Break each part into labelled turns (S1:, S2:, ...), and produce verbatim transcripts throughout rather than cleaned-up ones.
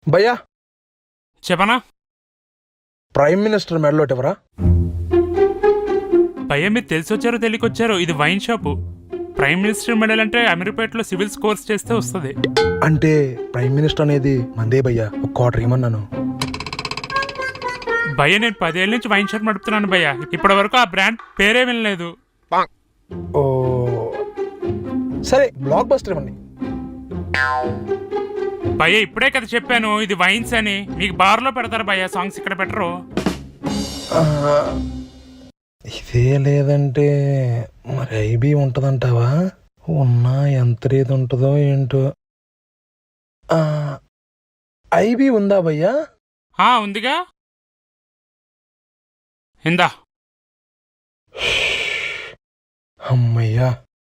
S1: భయ్యా
S2: చెప్పనా?
S1: Prime minister మెడలోటి ఎవరా?
S2: భయ్యా మీరు తెలిసి వచ్చారో తెలియకొచ్చారో, ఇది wine shop. Prime minister medal అంటే అమీర్పేటలో సివిల్స్ కోర్స్ చేస్తే వస్తుంది.
S1: అంటే ప్రైమ్ మినిస్టర్ అనేది మందే భయ్యా, ఒక క్వార్టర్ ఇమ్మన్నాను.
S2: భయ్య నేను పదేళ్ళ నుంచి వైన్ షాప్ నడుపుతున్నాను భయ్యా, ఇప్పటి వరకు ఆ బ్రాండ్ పేరే వినలేదు.
S1: ఓ సరే, బ్లాక్ బస్టర్ ఇవ్వండి.
S2: భయ్య ఇప్పుడే కదా చెప్పాను ఇది వైన్స్ అని. మీకు బార్లో పెడతారు భయ్య, సాంగ్స్ ఇక్కడ పెట్టరు.
S1: ఇదే లేదంటే మరి ఐబీ ఉంటదంటావా? ఉన్నా ఎంత రేది ఉంటుందో ఏంటో. ఐబీ ఉందా భయ్యా?
S2: ఉందిగా, ఇందా.
S1: అమ్మయ్యా,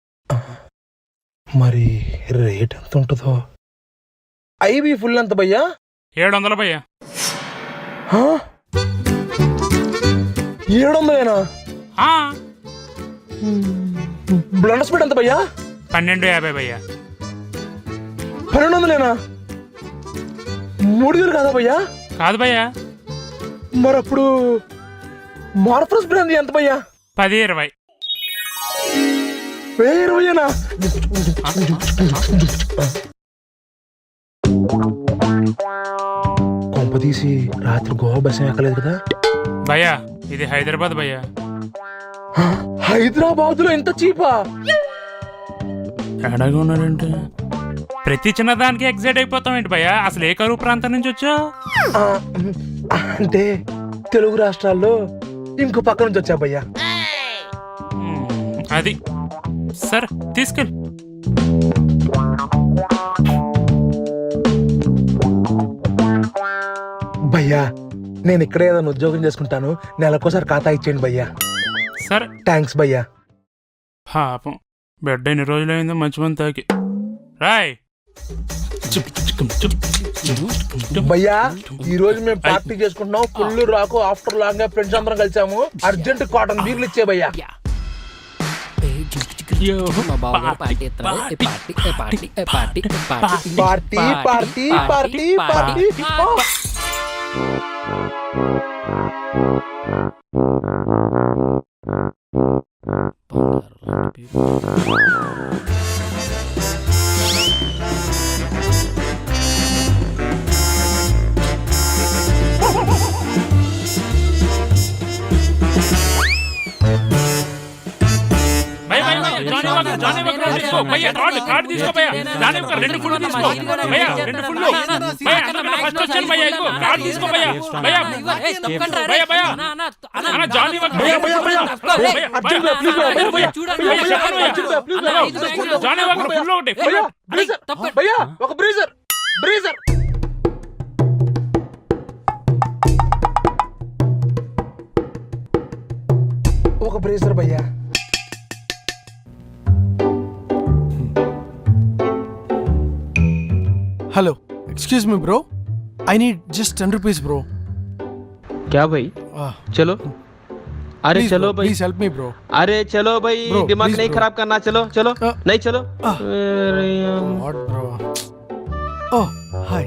S1: మరి రేట్ ఎంత ఉంటుందో? ఐబీ ఫుల్ ఎంత భయ్యా?
S2: ఏడు వందలు భయ్యా.
S1: ఏడు వందలేనా? బ్లండర్ స్పీడ్ ఎంత భయ్యా?
S2: పన్నెండు యాభై భయ్యా.
S1: పన్నెండు వందలేనా? మూడు వేలు కాదా భయ్యా?
S2: కాదు భయ్యా.
S1: మరి అప్పుడు మార్ఫరస్ బ్రాండ్ ఎంత భయ్యా?
S2: పది ఇరవై.
S1: వెయ్యి ఇరవైనా? కొంప తీసి రాత్రి గోవా బస్ ఎక్కలేదు కదా
S2: భయ్యా? ఇది హైదరాబాద్ భయ్యా.
S1: హైదరాబాద్ లో ఎంత చీపా?
S2: ఎడగా ఉన్నాడంటే ప్రతి చిన్నదానికి ఎగ్జైట్ అయిపోతాం ఏంటి భయ్యా? అసలు ఏ కరువు ప్రాంతం నుంచి వచ్చావు?
S1: అంటే తెలుగు రాష్ట్రాల్లో ఇంకో పక్క నుంచి వచ్చా భయ్యా.
S2: అది సరే తీసుకెళ్ళి.
S1: భయ్యా నేను ఇక్కడే ఏదైనా ఉద్యోగం చేసుకుంటాను, నెలకోసారి ఖాతా ఇచ్చేయండి భయ్యా.
S2: సరే
S1: థ్యాంక్స్ భయ్యా.
S2: పాపం బెడ్ ఎన్ని రోజులైందో మంచి మంది తాకి. రాయ్
S1: భయ్యా, ఈ రోజు మేము పార్టీ చేసుకుంటున్నాం. ఫుల్ రాకు ఆఫ్టర్ లాంగ్ ఫ్రెండ్స్ అందరం కలిసాము. అర్జెంట్ కాటన్ బీర్లు ఇచ్చే భయ్యా. Party party party party.
S2: రెండు ఫుల్ తీసుకో భయ్యా, రెండు ఫుల్ ఫస్ట్ వచ్చాను భయ్యా. ఇదిగో కార్డు తీసుకో భయ్యా. భయ్యా భయ్యా భయ్యా అన్న జానీ వాకర్ భయ్యా భయ్యా భయ్యా జానీ వాకర్ ఫుల్ ఒకటి
S1: భయ్యా. ఒక బ్రీజర్ బ్రీజర్ ఒక బ్రీజర్ భయ్యా.
S3: Hello excuse me bro, I need just ten rupees bro.
S4: क्या भाई? चलो अरे
S3: please
S4: चलो
S3: bro,
S4: भाई
S3: प्लीज हेल्प मी ब्रो.
S4: अरे चलो भाई
S3: bro,
S4: दिमाग
S3: please
S4: नहीं
S3: bro.
S4: खराब करना. चलो चलो
S3: uh,
S4: नहीं चलो
S3: uh,
S4: अरे
S3: what bro? Oh hi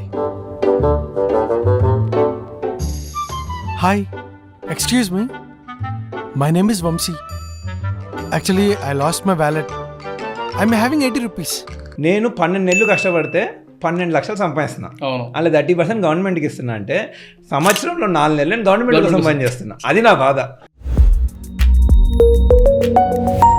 S3: hi excuse me, my name is Vamsi. Actually I lost my wallet. I'm having eighty rupees.
S5: నేను పన్నెండు నెలలు కష్టపడితే పన్నెండు లక్షలు సంపాదిస్తున్నా. అలా థర్టీ పర్సెంట్ గవర్నమెంట్కి ఇస్తున్నా అంటే సంవత్సరంలో నాలుగు నెలలు నేను గవర్నమెంట్ కోసం పని చేస్తున్నా. అది నా బాధ.